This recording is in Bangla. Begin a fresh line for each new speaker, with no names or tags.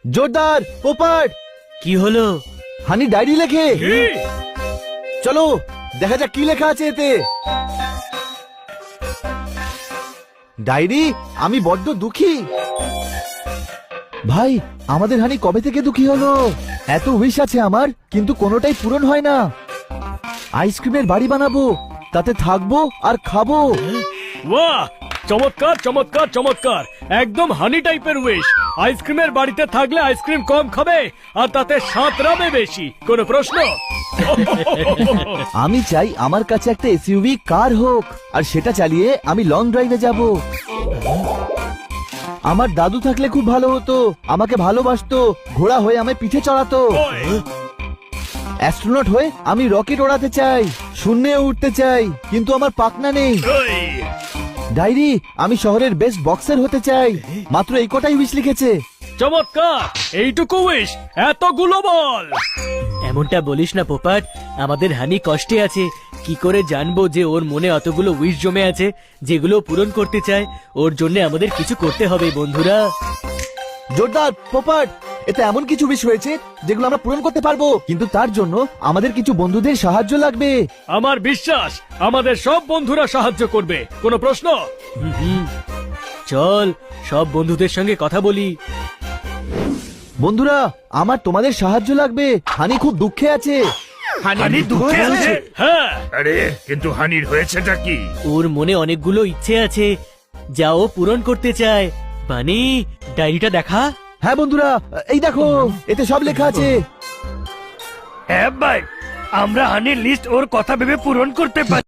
জোরদার পোপাট।
কি হলো?
হানি ডায়েরি লেখে। চলো দেখা যাক কি লেখা আছে এতে। ডায়েরি, আমি বড্ড দুঃখী। ভাই, আমাদের হানি কবে থেকে দুঃখী হলো? এত উইশ আছে আমার, কিন্তু কোনোটাই পূরণ হয় না। আইসক্রিমের বাড়ি বানাবো, তাতে থাকবো আর খাবো।
বাহ, চমৎকার চমৎকার চমৎকার, একদম হানি টাইপের উইশ। আইসক্রিমের বাড়িতে থাকলে আইসক্রিম কম খাবে আর তাতে সাঁতরাবে বেশি। কোনো প্রশ্ন?
আমি চাই আমার কাছে একটা এসইউভি কার হোক, আর সেটা চালিয়ে আমি লং ড্রাইভে যাব। আমার দাদু থাকলে খুব ভালো হতো, আমাকে ভালোবাসতো, ঘোড়া হয়ে আমায় পিঠে চড়াতো। অ্যাস্ট্রোনট হয়ে আমি রকেট ওড়াতে চাই, শূন্যে উঠতে চাই, কিন্তু আমার পাখনা নেই। ডায়েরি, আমি শহরের বেস্ট বক্সার হতে চাই। মাত্র এই কটাই উইশ লিখেছে।
চমৎকার, এইটুকু উইশ, এতগুলো বল।
এমনটা বলিস না পোপাট, আমাদের হানি কষ্টে আছে। কি করে জানবো যে ওর মনে অতগুলো উইশ জমে আছে যেগুলো পূরণ করতে চায়? ওর জন্য আমাদের কিছু করতে হবে বন্ধুরা।
জোরদার পোপাট, এতে এমন কিছু উইশ রয়েছে যেগুলো আমরা পূরণ করতে পারবো, কিন্তু তার জন্য আমাদের কিছু বন্ধুদের সাহায্য লাগবে।
আমার বিশ্বাস আমাদের সব বন্ধুরা সাহায্য করবে। কোনো প্রশ্ন?
চল সব বন্ধুদের সঙ্গে কথা বলি।
বন্ধুরা, আমার তোমাদের সাহায্য লাগবে। হানি খুব দুঃখে আছে।
হানি দুঃখে আছে?
হ্যাঁ,
আরে কিন্তু হানির হয়েছেটা কি?
ওর মনে অনেকগুলো ইচ্ছে আছে যা ও পূরণ করতে চায়। বানি, ডায়েরিটা দেখা।
হ্যাঁ বন্ধুরা, এই দেখো, এতে সব লেখা আছে।
হ্যাঁ ভাই, আমরা হানির লিস্ট ওর কথা ভেবে পূরণ করতে পারি।